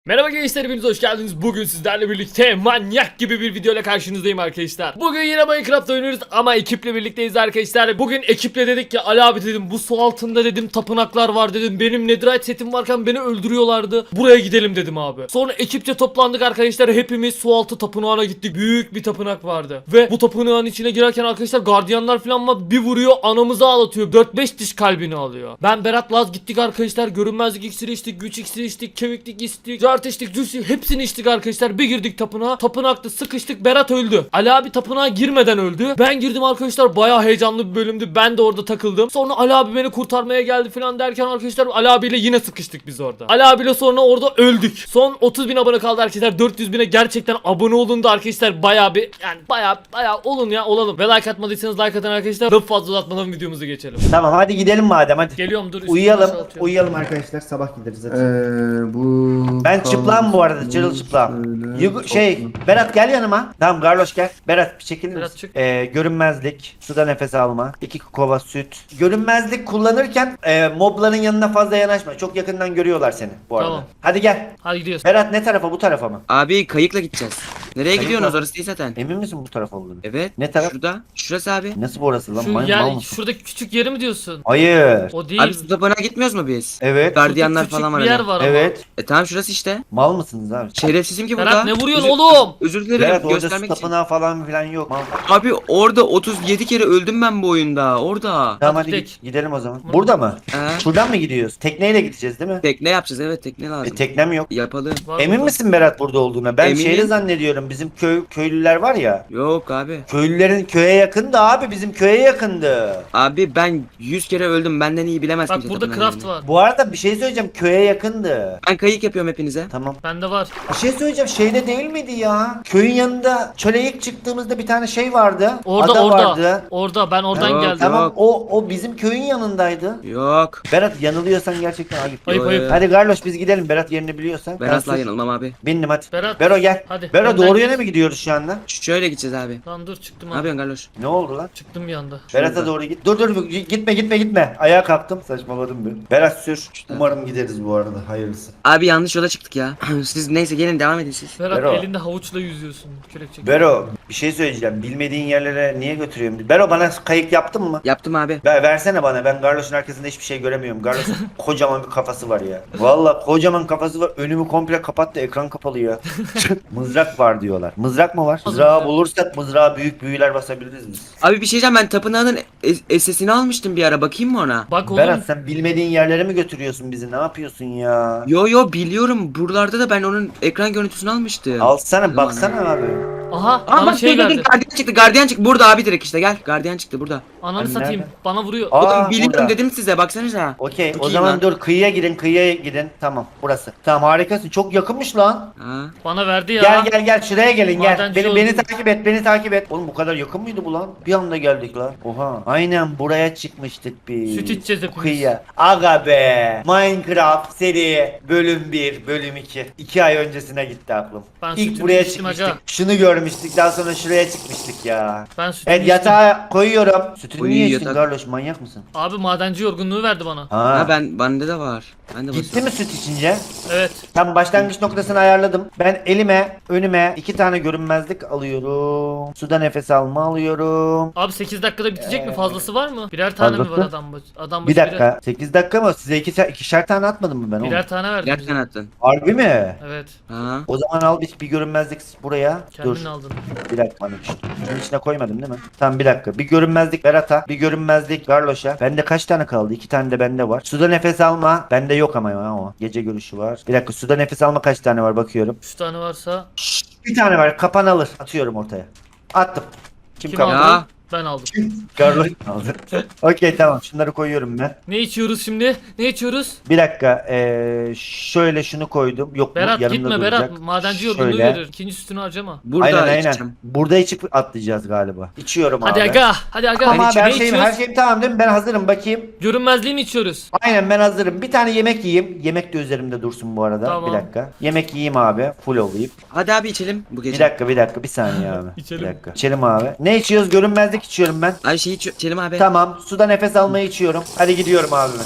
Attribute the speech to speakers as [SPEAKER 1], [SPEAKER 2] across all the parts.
[SPEAKER 1] Merhaba gençler, hepiniz hoş geldiniz. Bugün sizlerle birlikte manyak gibi bir video ile karşınızdayım arkadaşlar. Bugün yine Minecraft oynuyoruz ama ekiple birlikteyiz arkadaşlar. Bugün ekiple dedik ki Ali abi dedim, bu su altında dedim tapınaklar var dedim. Benim netherite setim varken beni öldürüyorlardı. Buraya gidelim dedim abi. Sonra ekipçe toplandık arkadaşlar. Hepimiz su altı tapınağına gittik. Büyük bir tapınak vardı. Ve bu tapınağın içine girerken arkadaşlar gardiyanlar falan var. Bir vuruyor, anamızı ağlatıyor. 4-5 diş kalbini alıyor. Ben Berat Laz gittik arkadaşlar. Görünmezlik iksiri içtik, güç iksiri içtik, kemiklik içtik, zart içtik, juicy, hepsini içtik arkadaşlar. Bir girdik tapınağa. Tapınakta sıkıştık. Berat öldü. Ali abi tapınağa girmeden öldü. Ben girdim arkadaşlar. Bayağı heyecanlı bir bölümdü. Ben de orada takıldım. Sonra Ali abi beni kurtarmaya geldi falan derken arkadaşlar Ali abiyle yine sıkıştık biz orada. Ali abiyle sonra orada öldük. Son 30.000 abone kaldı arkadaşlar. 400.000'e gerçekten abone olun da arkadaşlar, bayağı bir, yani bayağı olun ya, olalım. Ve like atmadıysanız like atın arkadaşlar. Daha fazla uzatmadan videomuza geçelim.
[SPEAKER 2] Tamam hadi gidelim madem hadi.
[SPEAKER 1] Geliyorum, dur. üstümü
[SPEAKER 2] Uyuyalım.
[SPEAKER 1] boşaltıyorum.
[SPEAKER 2] Uyuyalım arkadaşlar, sabah gideriz zaten.
[SPEAKER 3] Bu
[SPEAKER 2] Ben çıplağım bu arada, çırılçıplağım. Berat gel yanıma. Tamam Garloş gel. Berat bir çekilir
[SPEAKER 1] Berat
[SPEAKER 2] misin?
[SPEAKER 1] çık.
[SPEAKER 2] Görünmezlik, suda nefes alma, 2 kova süt. Görünmezlik kullanırken mobların yanına fazla yanaşma. Çok yakından görüyorlar seni bu arada.
[SPEAKER 1] Tamam.
[SPEAKER 2] Hadi gel.
[SPEAKER 1] Hadi gidiyoruz.
[SPEAKER 2] Berat ne tarafa, bu tarafa mı?
[SPEAKER 3] Abi kayıkla gideceğiz. Nereye
[SPEAKER 2] Kayıkla?
[SPEAKER 3] gidiyorsunuz, orası değil zaten.
[SPEAKER 2] Emin misin bu taraf olduğunu?
[SPEAKER 3] Evet.
[SPEAKER 2] Ne taraf?
[SPEAKER 3] Şurada. Şurası abi.
[SPEAKER 2] Nasıl bu orası lan?
[SPEAKER 1] Şu
[SPEAKER 2] Mal
[SPEAKER 1] yer,
[SPEAKER 2] mısın?
[SPEAKER 1] şuradaki küçük yeri mi diyorsun?
[SPEAKER 2] Hayır.
[SPEAKER 1] O değil.
[SPEAKER 3] Abi su tapınağına gitmiyoruz mu biz?
[SPEAKER 2] Evet.
[SPEAKER 3] Gardiyanlar
[SPEAKER 1] Küçük
[SPEAKER 3] falan var
[SPEAKER 1] bir yer
[SPEAKER 3] hani.
[SPEAKER 1] var ama.
[SPEAKER 2] Evet.
[SPEAKER 3] Tamam şurası işte.
[SPEAKER 2] Mal mısınız abi?
[SPEAKER 3] Şerefsizim ki burada.
[SPEAKER 1] Berat ne vuruyorsun
[SPEAKER 3] Özür-
[SPEAKER 1] oğlum?
[SPEAKER 3] Özür dilerim,
[SPEAKER 2] Berat orada su
[SPEAKER 3] göstermek için.
[SPEAKER 2] tapınağı falan filan yok. Mal.
[SPEAKER 3] Abi orada 37 kere öldüm ben bu oyunda. Orada.
[SPEAKER 2] Tamam
[SPEAKER 1] Hadi
[SPEAKER 2] hadi
[SPEAKER 1] gidelim.
[SPEAKER 2] gidelim o zaman. Burada mı? Şuradan mı gidiyoruz? Tekneyle gideceğiz değil mi?
[SPEAKER 3] Tekne yapacağız, evet tekne lazım.
[SPEAKER 2] Teknem yok.
[SPEAKER 3] Yapalım.
[SPEAKER 1] Var
[SPEAKER 2] Emin
[SPEAKER 1] burada.
[SPEAKER 2] misin Berat burada olduğuna? Ben
[SPEAKER 3] Eminim.
[SPEAKER 2] şehri zannediyorum. Bizim köylüler var ya.
[SPEAKER 3] Yok abi.
[SPEAKER 2] Köylülerin köye yakındı abi. Bizim köye yakındı.
[SPEAKER 3] Abi ben 100 kere öldüm, benden iyi bilemez
[SPEAKER 1] Bak
[SPEAKER 3] kimse
[SPEAKER 1] burada
[SPEAKER 3] tapınağın
[SPEAKER 1] craft
[SPEAKER 3] yerini.
[SPEAKER 1] var.
[SPEAKER 2] Bu arada bir şey söyleyeceğim. Köye yakındı.
[SPEAKER 3] Ben kayık yapıyorum hepinize.
[SPEAKER 2] Tamam.
[SPEAKER 1] Bende var.
[SPEAKER 2] Bir şey söyleyeceğim. Şeyde değil miydi ya? Köyün yanında çöle ilk çıktığımızda bir tane şey vardı.
[SPEAKER 1] Orada
[SPEAKER 2] Ada
[SPEAKER 1] orada.
[SPEAKER 2] vardı.
[SPEAKER 1] Orada ben oradan
[SPEAKER 3] Yok,
[SPEAKER 1] geldim.
[SPEAKER 2] Tamam
[SPEAKER 3] Yok.
[SPEAKER 2] o bizim köyün yanındaydı.
[SPEAKER 3] Yok.
[SPEAKER 2] Berat yanılıyorsan gerçekten ayıp.
[SPEAKER 1] Ayıp, ayıp.
[SPEAKER 2] Hadi Garloş biz gidelim. Berat yerini biliyorsan.
[SPEAKER 3] Ben asla yanılmam abi.
[SPEAKER 2] Bindim hadi.
[SPEAKER 1] Berat.
[SPEAKER 2] Bero gel.
[SPEAKER 1] Hadi.
[SPEAKER 2] Bero
[SPEAKER 1] önden
[SPEAKER 2] doğru
[SPEAKER 1] git.
[SPEAKER 2] yöne mi gidiyoruz şu anda?
[SPEAKER 3] Şöyle gideceğiz abi.
[SPEAKER 1] Lan dur, çıktım
[SPEAKER 3] Ne
[SPEAKER 1] abi.
[SPEAKER 3] yapıyorsun Garloş?
[SPEAKER 2] Ne oldu lan?
[SPEAKER 1] Çıktım bir anda.
[SPEAKER 2] Berat'a doğru git. Dur gitme. Ayağa kalktım. Saçmaladım bir. Berat sür. Umarım gideriz bu arada. Hayırlısı.
[SPEAKER 3] Abi yanlış yola çıktık ya. Siz neyse gelin devam edin siz.
[SPEAKER 1] Berat
[SPEAKER 2] Bero.
[SPEAKER 1] elinde havuçla yüzüyorsun. Kürek çekiyor.
[SPEAKER 2] Bero bir şey söyleyeceğim. Bilmediğin yerlere niye götürüyorum? Bero bana kayık yaptın mı?
[SPEAKER 3] Yaptım abi.
[SPEAKER 2] Versene bana. Ben Garloş'un arkasında hiçbir şey göremiyorum. Garloş'un kocaman bir kafası var ya. Valla kocaman kafası var. Önümü komple kapattı. Ekran kapalı ya. Mızrak var diyorlar. Mızrak mı var? Mızrağı bulursak mızrağa büyük büyüler basabiliriz biz.
[SPEAKER 3] Abi bir şey diyeceğim, ben tapınağının SS'ini almıştım bir ara, bakayım mı ona?
[SPEAKER 1] Bak oğlum.
[SPEAKER 2] Berat sen bilmediğin yerlere mi götürüyorsun bizi? Ne yapıyorsun ya?
[SPEAKER 3] Yo biliyorum, buralarda da ben onun ekran görüntüsünü almıştım.
[SPEAKER 2] Alsana baksana abi.
[SPEAKER 1] Aha
[SPEAKER 3] Aa
[SPEAKER 1] bana
[SPEAKER 3] bak
[SPEAKER 1] şey
[SPEAKER 3] dur,
[SPEAKER 1] verdi.
[SPEAKER 3] gardiyan çıktı burada abi, direkt işte gel, gardiyan çıktı burada.
[SPEAKER 1] Ananı
[SPEAKER 2] Hani
[SPEAKER 1] satayım.
[SPEAKER 2] nerede?
[SPEAKER 1] Bana vuruyor.
[SPEAKER 2] Aa,
[SPEAKER 3] Oğlum biliyorum
[SPEAKER 2] burada.
[SPEAKER 3] dedim size, baksanıza.
[SPEAKER 2] Okey
[SPEAKER 3] Çok
[SPEAKER 2] o
[SPEAKER 3] iyi
[SPEAKER 2] zaman
[SPEAKER 3] lan.
[SPEAKER 2] dur kıyıya gidin tamam burası. Tamam harikasın çok yakınmış lan.
[SPEAKER 3] Ha.
[SPEAKER 1] Bana verdi ya.
[SPEAKER 2] Gel şuraya gelin gel.
[SPEAKER 1] Madenci
[SPEAKER 2] Beni
[SPEAKER 1] oldum.
[SPEAKER 2] beni takip et. Oğlum bu kadar yakın mıydı bu lan? Bir anda geldik lan. Oha. Aynen buraya çıkmıştık biz.
[SPEAKER 1] Süt içeceğiz hepimiz.
[SPEAKER 2] Kıyıya. Aga be. Minecraft seri bölüm 1 bölüm 2. 2 ay öncesine gitti aklım.
[SPEAKER 1] Ben
[SPEAKER 2] İlk
[SPEAKER 1] sütümü
[SPEAKER 2] buraya
[SPEAKER 1] içtim
[SPEAKER 2] çıkmıştık.
[SPEAKER 1] aga.
[SPEAKER 2] Şunu görmüştük daha sonra şuraya çıkmıştık ya.
[SPEAKER 1] Ben sütümü
[SPEAKER 2] Evet
[SPEAKER 1] içtim.
[SPEAKER 2] yatağa koyuyorum. Sütünü
[SPEAKER 3] Uy,
[SPEAKER 2] niye içtin
[SPEAKER 3] yatak.
[SPEAKER 2] Carlos manyak mısın?
[SPEAKER 1] Abi madenci yorgunluğu verdi bana.
[SPEAKER 3] Ha bende de var. Ben de
[SPEAKER 2] Gitti
[SPEAKER 3] basıyorum.
[SPEAKER 2] mi süt içince?
[SPEAKER 1] Evet.
[SPEAKER 2] Tam başlangıç noktasını ayarladım. Ben önüme 2 tane görünmezlik alıyorum. Suda nefes alma alıyorum.
[SPEAKER 1] Abi 8 dakikada bitecek mi? Fazlası var mı? Birer tane mi var
[SPEAKER 2] Fazlası?
[SPEAKER 1] adam başı?
[SPEAKER 2] Bir dakika. 8 dakika mı? Size ikişer tane atmadım mı ben onu?
[SPEAKER 1] Birer tane verdim bize.
[SPEAKER 3] Gerçekten attın.
[SPEAKER 2] Harbi mi?
[SPEAKER 1] Evet.
[SPEAKER 3] Ha.
[SPEAKER 2] O zaman al bir görünmezlik buraya. Dur.
[SPEAKER 1] Kendin aldın.
[SPEAKER 2] Bir dakika bana şunun içine koymadım değil mi? Tamam bir dakika. Bir görünmezlik Berat'a. Bir görünmezlik Garloş'a. Bende kaç tane kaldı? 2 tane de bende var. Suda nefes alma. Bende yok ama ya o. Gece görüşü var. Bir dakika suda nefes alma kaç tane var bakıyorum.
[SPEAKER 1] 3 tane varsa
[SPEAKER 2] Bir tane var. Kapan alır. Atıyorum ortaya. Attım. Kim
[SPEAKER 1] kim
[SPEAKER 2] kapan?
[SPEAKER 1] aldı?
[SPEAKER 3] Ya.
[SPEAKER 1] Ben aldım.
[SPEAKER 2] Garloş aldı. Okey tamam. Şunları koyuyorum ben.
[SPEAKER 1] Ne içiyoruz şimdi? Ne içiyoruz?
[SPEAKER 2] Bir dakika. Şöyle şunu koydum. Yok
[SPEAKER 1] Berat
[SPEAKER 2] bu yanımda
[SPEAKER 1] gitme
[SPEAKER 2] duracak.
[SPEAKER 1] Berat. Madenci yorgunluğu
[SPEAKER 2] Şöyle.
[SPEAKER 1] verir. İkinci sütünü harcama.
[SPEAKER 3] Burada
[SPEAKER 2] Aynen.
[SPEAKER 3] içeceğim.
[SPEAKER 2] Burada içip atlayacağız galiba. İçiyorum
[SPEAKER 1] Hadi
[SPEAKER 2] abi.
[SPEAKER 1] aga. Hadi aga.
[SPEAKER 2] Tamam abi
[SPEAKER 1] ne
[SPEAKER 2] her
[SPEAKER 1] içiyoruz?
[SPEAKER 2] şeyim tamam değil mi? Ben hazırım bakayım.
[SPEAKER 1] Görünmezliği mi içiyoruz?
[SPEAKER 2] Aynen ben hazırım. Bir tane yemek yiyeyim. Yemek de üzerimde dursun bu arada.
[SPEAKER 1] Tamam.
[SPEAKER 2] Bir dakika. Yemek yiyeyim abi. Full olayım.
[SPEAKER 3] Hadi abi içelim bu
[SPEAKER 2] Bir
[SPEAKER 3] gece.
[SPEAKER 2] dakika. Bir saniye abi.
[SPEAKER 1] İçelim.
[SPEAKER 2] Bir dakika. İçelim abi. Ne içiyoruz? Görünmezlik içiyorum ben.
[SPEAKER 3] Abi şey içelim abi.
[SPEAKER 2] Tamam. Suda nefes almayı içiyorum. Hadi gidiyorum abi ben.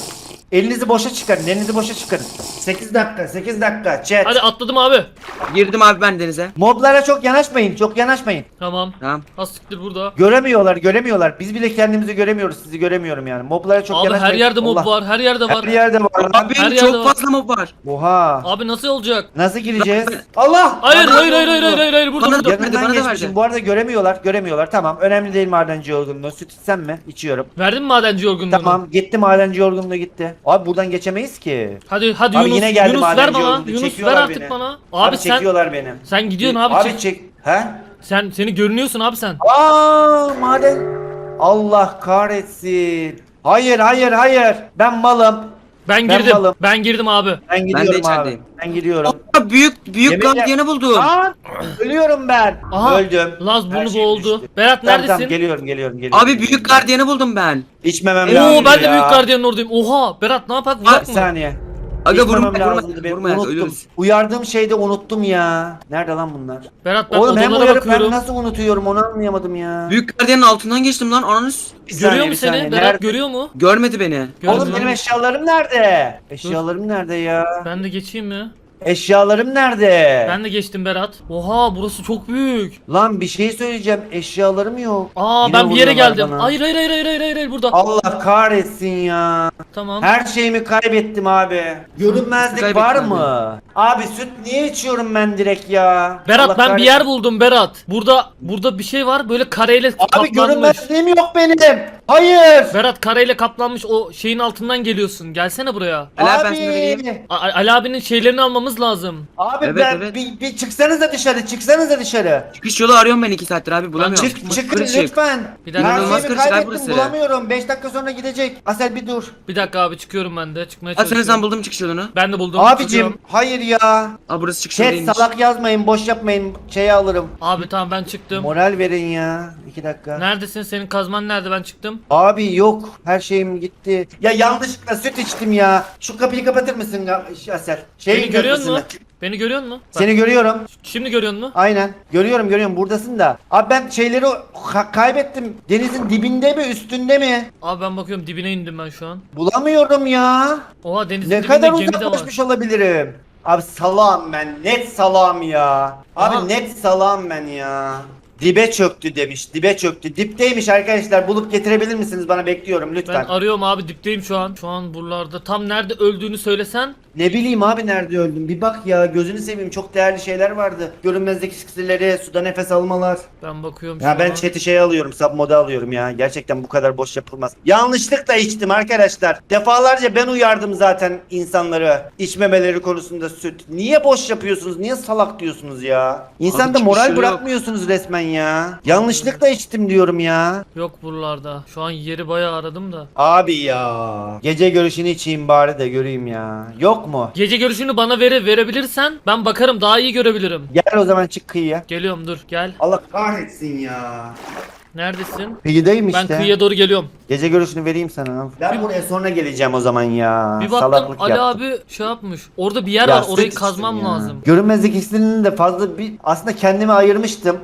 [SPEAKER 2] Elinizi boşa çıkarın. Elinizi boşa çıkarın. 8 dakika. 8 dakika. Chat.
[SPEAKER 1] Hadi atladım abi.
[SPEAKER 3] Girdim abi ben denize.
[SPEAKER 2] Moblara çok yanaşmayın. Çok yanaşmayın.
[SPEAKER 1] Tamam.
[SPEAKER 3] Tamam.
[SPEAKER 1] Asiktir burada.
[SPEAKER 2] Göremiyorlar. Göremiyorlar. Biz bile kendimizi göremiyoruz. Sizi göremiyorum yani. Moblara çok
[SPEAKER 1] Abi
[SPEAKER 2] yanaşmayın.
[SPEAKER 1] her yerde mob
[SPEAKER 2] Allah.
[SPEAKER 1] var. Her yerde var.
[SPEAKER 2] Her yerde var. lan.
[SPEAKER 3] Abi
[SPEAKER 1] Her yerde
[SPEAKER 3] çok
[SPEAKER 1] var.
[SPEAKER 3] fazla mob var.
[SPEAKER 2] Oha.
[SPEAKER 1] Abi nasıl olacak?
[SPEAKER 2] Nasıl gireceğiz? Allah!
[SPEAKER 1] Hayır
[SPEAKER 2] Bana
[SPEAKER 1] hayır
[SPEAKER 2] ne
[SPEAKER 1] hayır
[SPEAKER 2] oldu?
[SPEAKER 1] hayır hayır hayır burada
[SPEAKER 3] Bana
[SPEAKER 1] burada.
[SPEAKER 3] Verdi,
[SPEAKER 2] Yanından
[SPEAKER 3] bana da
[SPEAKER 2] geçmişim.
[SPEAKER 3] verdi.
[SPEAKER 2] Bu arada göremiyorlar. Göremiyorlar. Tamam. Önemli değil madenci yorgunluğu. Süt içsem mi? İçiyorum.
[SPEAKER 1] Verdin mi madenci yorgunluğunu?
[SPEAKER 2] Tamam. Gitti madenci yorgunluğu gitti. Abi buradan geçemeyiz ki.
[SPEAKER 1] Hadi
[SPEAKER 2] Abi
[SPEAKER 1] Yunus.
[SPEAKER 2] yine geldi
[SPEAKER 1] Yunus ver
[SPEAKER 2] madenci
[SPEAKER 1] bana.
[SPEAKER 2] yorgunluğu.
[SPEAKER 1] Yunus ver
[SPEAKER 2] Çekiyorlar
[SPEAKER 1] artık
[SPEAKER 2] beni.
[SPEAKER 1] bana.
[SPEAKER 2] Abi
[SPEAKER 1] Sen
[SPEAKER 2] çekiyorlar beni.
[SPEAKER 1] gidiyorsun abi.
[SPEAKER 2] Abi
[SPEAKER 1] Çek.
[SPEAKER 2] çek. He?
[SPEAKER 1] Seni görünüyorsun abi sen.
[SPEAKER 2] Aa maden. Allah kahretsin. Hayır hayır hayır. Ben malım.
[SPEAKER 1] Ben
[SPEAKER 2] Ben
[SPEAKER 1] girdim.
[SPEAKER 2] malım.
[SPEAKER 1] Ben girdim abi.
[SPEAKER 2] Ben gidiyorum abi.
[SPEAKER 3] içerideyim.
[SPEAKER 2] Ben gidiyorum.
[SPEAKER 3] Aa, büyük
[SPEAKER 2] Yemin-
[SPEAKER 3] gardiyanı buldum.
[SPEAKER 2] Aa, ölüyorum ben.
[SPEAKER 1] Aha.
[SPEAKER 2] Öldüm.
[SPEAKER 1] Laz
[SPEAKER 2] Her
[SPEAKER 1] burnu
[SPEAKER 2] şey
[SPEAKER 1] boğuldu.
[SPEAKER 2] düştü.
[SPEAKER 1] Berat
[SPEAKER 2] Tamam,
[SPEAKER 1] neredesin?
[SPEAKER 2] tamam, geliyorum.
[SPEAKER 3] Abi büyük gardiyanı buldum ben.
[SPEAKER 2] İçmemem lazım.
[SPEAKER 1] Oo ben de
[SPEAKER 2] ya.
[SPEAKER 1] büyük gardiyanın oradayım. Oha Berat ne yapak
[SPEAKER 2] Bir
[SPEAKER 1] vursak mı?
[SPEAKER 2] saniye.
[SPEAKER 3] Aga
[SPEAKER 2] İçmemem
[SPEAKER 3] vurma
[SPEAKER 2] lazımdı benim.
[SPEAKER 3] vurma
[SPEAKER 2] Unuttum.
[SPEAKER 3] ölürüz.
[SPEAKER 2] Uyardığım şeyde unuttum ya. Nerede lan bunlar?
[SPEAKER 1] Berat ben
[SPEAKER 2] Oğlum hem
[SPEAKER 1] odalara
[SPEAKER 2] uyarıp ben
[SPEAKER 1] bakıyorum.
[SPEAKER 2] nasıl unutuyorum onu anlayamadım ya.
[SPEAKER 3] Büyük gardiyanın altından geçtim lan ananız.
[SPEAKER 2] Bir saniye,
[SPEAKER 1] Görüyor mu
[SPEAKER 2] bir
[SPEAKER 1] seni?
[SPEAKER 2] saniye.
[SPEAKER 1] Berat
[SPEAKER 2] Nerede?
[SPEAKER 1] görüyor mu?
[SPEAKER 3] Görmedi beni.
[SPEAKER 2] Oğlum
[SPEAKER 1] Görmüyor.
[SPEAKER 2] benim eşyalarım nerede? Eşyalarım nerede ya?
[SPEAKER 1] Ben de geçeyim mi?
[SPEAKER 2] Eşyalarım nerede?
[SPEAKER 1] Ben de geçtim Berat. Oha burası çok büyük.
[SPEAKER 2] Lan bir şey söyleyeceğim. Eşyalarım yok.
[SPEAKER 1] Aa
[SPEAKER 2] Yine
[SPEAKER 1] ben bir yere
[SPEAKER 2] vuruyorlar
[SPEAKER 1] geldim.
[SPEAKER 2] bana.
[SPEAKER 1] Hayır hayır hayır hayır hayır hayır burada.
[SPEAKER 2] Allah kahretsin ya.
[SPEAKER 1] Tamam.
[SPEAKER 2] Her şeyimi kaybettim abi. Görünmezlik
[SPEAKER 3] Kaybettin
[SPEAKER 2] var
[SPEAKER 3] abi.
[SPEAKER 2] mı? Abi süt niye içiyorum ben direkt ya?
[SPEAKER 1] Berat
[SPEAKER 2] Allah
[SPEAKER 1] ben bir
[SPEAKER 2] kahretsin.
[SPEAKER 1] yer buldum Berat. Burada bir şey var böyle kareyle
[SPEAKER 2] Abi
[SPEAKER 1] kaplanmış.
[SPEAKER 2] görünmezliğim yok benim. Hayır.
[SPEAKER 1] Berat kareyle kaplanmış o şeyin altından geliyorsun. Gelsene buraya.
[SPEAKER 3] Ali abi, ben sana vereyim.
[SPEAKER 1] Ali abinin şeylerini almamız lazım.
[SPEAKER 2] Abi
[SPEAKER 3] Evet,
[SPEAKER 2] ben
[SPEAKER 3] evet.
[SPEAKER 2] Bir çıksanıza dışarı, çıksanıza dışarı.
[SPEAKER 3] Çıkış yolu arıyorum ben 2 saattir abi bulamıyorum.
[SPEAKER 2] Çıkın
[SPEAKER 3] Kırışık.
[SPEAKER 2] lütfen.
[SPEAKER 1] Bir dakika.
[SPEAKER 2] Her
[SPEAKER 3] İnanılmaz
[SPEAKER 2] şeyimi
[SPEAKER 3] kırışık abi
[SPEAKER 2] kaybettim,
[SPEAKER 3] burası.
[SPEAKER 2] bulamıyorum. 5 dakika sonra gidecek. Asel bir dur.
[SPEAKER 1] Bir dakika abi çıkıyorum ben de. Çıkmaya
[SPEAKER 3] Ha sen
[SPEAKER 1] çalışıyorum.
[SPEAKER 3] buldum çıkış yolunu.
[SPEAKER 1] Ben de buldum.
[SPEAKER 2] Abicim
[SPEAKER 1] çıkıyorum.
[SPEAKER 2] hayır ya.
[SPEAKER 3] Aa burası çıkış yolu
[SPEAKER 2] Chat
[SPEAKER 3] değilmiş.
[SPEAKER 2] salak yazmayın, boş yapmayın. Şeyi alırım.
[SPEAKER 1] Abi tamam ben çıktım.
[SPEAKER 2] Moral verin ya. 2 dakika.
[SPEAKER 1] Neredesin? Senin kazman nerede? Ben çıktım.
[SPEAKER 2] Abi yok. Her şeyim gitti. Ya yanlışlıkla süt içtim ya. Şu kapıyı kapatır mısın Asel?
[SPEAKER 1] Beni görüyor
[SPEAKER 2] köprüsünde.
[SPEAKER 1] musun? Beni görüyor musun? Bak,
[SPEAKER 2] Seni görüyorum.
[SPEAKER 1] Şimdi görüyor musun?
[SPEAKER 2] Aynen. Görüyorum. Buradasın da. Abi ben şeyleri kaybettim. Denizin dibinde mi, üstünde mi?
[SPEAKER 1] Abi ben bakıyorum dibine indim ben şu an.
[SPEAKER 2] Bulamıyorum ya.
[SPEAKER 1] Oha denizin
[SPEAKER 2] Ne
[SPEAKER 1] dibinde
[SPEAKER 2] kadar
[SPEAKER 1] gemi de var.
[SPEAKER 2] uzaklaşmış olabilirim. Abi salam ben. Net salam ya. Abi
[SPEAKER 1] Aha.
[SPEAKER 2] net salam ben ya. Dibe çöktü demiş. Dibe çöktü. Dipteymiş arkadaşlar. Bulup getirebilir misiniz? Bana bekliyorum lütfen.
[SPEAKER 1] Ben arıyorum abi dipteyim şu an. Şu an buralarda. Tam nerede öldüğünü söylesen.
[SPEAKER 2] Ne bileyim abi nerede öldüm. Bir bak ya gözünü seveyim. Çok değerli şeyler vardı. Görünmezlik iksirleri, suda nefes almalar.
[SPEAKER 1] Ben bakıyorum şu
[SPEAKER 2] Ya ben
[SPEAKER 1] an.
[SPEAKER 2] chat'i şey alıyorum. Sub moda alıyorum ya. Gerçekten bu kadar boş yapılmaz. Yanlışlıkla içtim arkadaşlar. Defalarca ben uyardım zaten insanları. İçmemeleri konusunda süt. Niye boş yapıyorsunuz? Niye salak diyorsunuz ya? İnsanda
[SPEAKER 3] çıkış
[SPEAKER 2] moral
[SPEAKER 3] yolu yok.
[SPEAKER 2] bırakmıyorsunuz resmen ya. Yanlışlıkla içtim diyorum ya.
[SPEAKER 1] Yok buralarda. Şu an yeri bayağı aradım da.
[SPEAKER 2] Abi ya. Gece görüşünü içeyim bari de göreyim ya. Yok mu?
[SPEAKER 1] Gece görüşünü bana verebilirsen ben bakarım daha iyi görebilirim.
[SPEAKER 2] Gel o zaman çık kıyıya.
[SPEAKER 1] Geliyorum dur gel.
[SPEAKER 2] Allah kahretsin ya.
[SPEAKER 1] Neredesin?
[SPEAKER 2] Kıyıdayım işte.
[SPEAKER 1] Ben kıyıya doğru geliyorum.
[SPEAKER 2] Gece görüşünü vereyim sana. Ben buraya sonra geleceğim o zaman ya.
[SPEAKER 1] Bir baktım
[SPEAKER 2] Salaklık
[SPEAKER 1] Ali
[SPEAKER 2] yaptım.
[SPEAKER 1] abi şey yapmış. Orada bir yer
[SPEAKER 2] Ya
[SPEAKER 1] var orayı
[SPEAKER 2] süt
[SPEAKER 1] kazmam
[SPEAKER 2] içtim ya.
[SPEAKER 1] lazım.
[SPEAKER 2] Görünmezlik iksirinin de fazla bir aslında kendime ayırmıştım.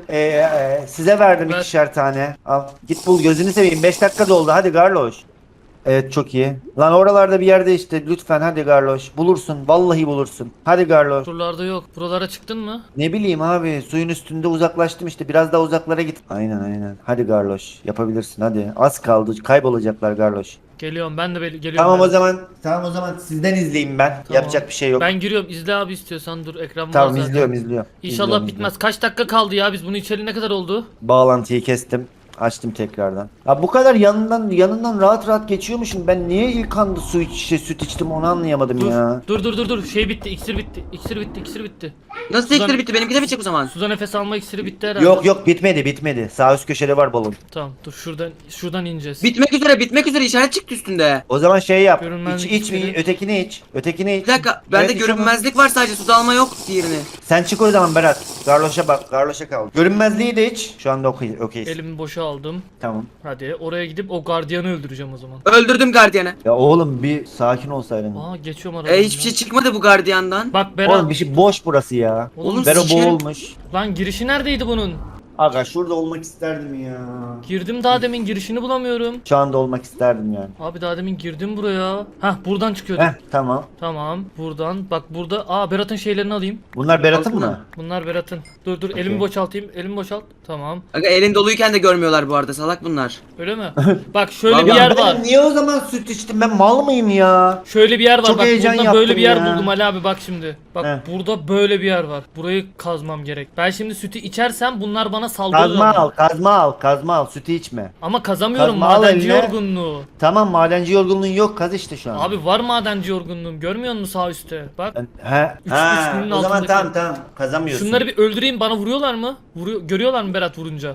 [SPEAKER 2] Size verdim
[SPEAKER 1] Ver.
[SPEAKER 2] 2'şer tane. Al git bul gözünü seveyim. 5 dakika doldu hadi Garloş. Evet çok iyi. Lan oralarda bir yerde işte lütfen hadi Garloş. Bulursun vallahi bulursun. Hadi Garloş.
[SPEAKER 1] Buralarda yok. Buralara çıktın mı?
[SPEAKER 2] Ne bileyim abi suyun üstünde uzaklaştım işte biraz daha uzaklara git. Aynen. Hadi Garloş yapabilirsin hadi. Az kaldı kaybolacaklar Garloş.
[SPEAKER 1] Geliyorum ben de geliyorum.
[SPEAKER 2] Tamam
[SPEAKER 1] ben.
[SPEAKER 2] o zaman sizden izleyeyim ben.
[SPEAKER 1] Tamam.
[SPEAKER 2] Yapacak bir şey yok.
[SPEAKER 1] Ben giriyorum. İzle abi istiyorsan dur ekran var
[SPEAKER 2] Tamam
[SPEAKER 1] zaten.
[SPEAKER 2] izliyorum.
[SPEAKER 1] İnşallah
[SPEAKER 2] İzliyorum,
[SPEAKER 1] bitmez. Kaç dakika kaldı ya? Biz bunu içeri ne kadar oldu?
[SPEAKER 2] Bağlantıyı kestim. Açtım tekrardan. Ya bu kadar yanından rahat geçiyormuşum. Ben niye ilk anda süt içtim onu anlayamadım
[SPEAKER 1] Dur.
[SPEAKER 2] ya.
[SPEAKER 1] Dur. Şey bitti. İksir bitti. İksir bitti.
[SPEAKER 3] Nasıl
[SPEAKER 1] Sudan-
[SPEAKER 3] tekrar bitti benimki de bitecek o zaman.
[SPEAKER 1] Suda nefes alma iksiri bitti herhalde.
[SPEAKER 2] Yok bitmedi. Sağ üst köşede var balon.
[SPEAKER 1] Tamam dur şuradan ineceğiz.
[SPEAKER 3] Bitmek üzere işaret çıktı üstünde.
[SPEAKER 2] O zaman şey yap.
[SPEAKER 1] Görünmezlik
[SPEAKER 2] İç
[SPEAKER 1] iksiri.
[SPEAKER 2] ötekini iç.
[SPEAKER 3] Bir dakika bende
[SPEAKER 2] Evet, iç onu.
[SPEAKER 3] görünmezlik var sadece suda alma yok diğerini.
[SPEAKER 2] Sen çık o zaman Berat. Garloş'a bak. Garloş'a kal. Görünmezliği de iç. Şu anda okey.
[SPEAKER 1] Elimi boşa aldım.
[SPEAKER 2] Tamam.
[SPEAKER 1] Hadi oraya gidip o gardiyanı öldüreceğim o zaman.
[SPEAKER 3] Öldürdüm gardiyanı.
[SPEAKER 2] Ya oğlum bir sakin olsaydın.
[SPEAKER 1] Aa geçiyorum aradan.
[SPEAKER 3] Hiçbir şey çıkmadı bu gardiyandan.
[SPEAKER 1] Bak Berat.
[SPEAKER 2] Oğlum bir şey boş burası ya.
[SPEAKER 1] Oğlum
[SPEAKER 2] Bero
[SPEAKER 3] sikerim.
[SPEAKER 2] boğulmuş.
[SPEAKER 1] Lan girişi neredeydi bunun?
[SPEAKER 2] Aga şurada olmak isterdim ya.
[SPEAKER 1] Girdim daha demin, girişini bulamıyorum.
[SPEAKER 2] Şu anda olmak isterdim yani.
[SPEAKER 1] Abi daha demin girdim buraya. Hah, buradan çıkıyordum.
[SPEAKER 2] Heh tamam.
[SPEAKER 1] Tamam, buradan. Bak burada. Berat'ın şeylerini alayım.
[SPEAKER 2] Bunlar Berat'ın
[SPEAKER 3] Altına.
[SPEAKER 2] mı?
[SPEAKER 1] Bunlar Berat'ın. Dur
[SPEAKER 2] Okey.
[SPEAKER 1] elimi boşaltayım. Elimi boşalt. Tamam.
[SPEAKER 3] Aga elin doluyken de görmüyorlar bu arada, salak bunlar.
[SPEAKER 1] Öyle mi? Bak şöyle bir
[SPEAKER 3] Vallahi
[SPEAKER 1] yer
[SPEAKER 2] ben
[SPEAKER 1] var.
[SPEAKER 2] niye o zaman süt içtim? Ben mal mıyım ya?
[SPEAKER 1] Şöyle bir yer var.
[SPEAKER 2] Çok
[SPEAKER 1] Bak
[SPEAKER 2] heyecan
[SPEAKER 1] burada böyle
[SPEAKER 2] yaptım
[SPEAKER 1] bir yer
[SPEAKER 2] ya.
[SPEAKER 1] buldum Ali abi, bak şimdi. Bak
[SPEAKER 2] Heh.
[SPEAKER 1] burada böyle bir yer var. Burayı kazmam gerek. Ben şimdi sütü içersem bunlar bana saldırır
[SPEAKER 2] Kazma
[SPEAKER 1] ama.
[SPEAKER 2] al, kazma al, kazma al. Sütü içme.
[SPEAKER 1] Ama kazamıyorum,
[SPEAKER 2] Kazma al
[SPEAKER 1] madenci
[SPEAKER 2] eline.
[SPEAKER 1] yorgunluğu.
[SPEAKER 2] Tamam madenci yorgunluğun yok, kaz işte şu an.
[SPEAKER 1] Abi var madenci yorgunluğum, görmüyor musun sağ üstte? Bak.
[SPEAKER 2] He.
[SPEAKER 1] Üç
[SPEAKER 2] Ha,
[SPEAKER 1] günün
[SPEAKER 2] o zaman
[SPEAKER 1] altındaki.
[SPEAKER 2] tamam kazamıyorsun.
[SPEAKER 1] Şunları bir öldüreyim, bana vuruyorlar mı? Görüyorlar mı Berat vurunca?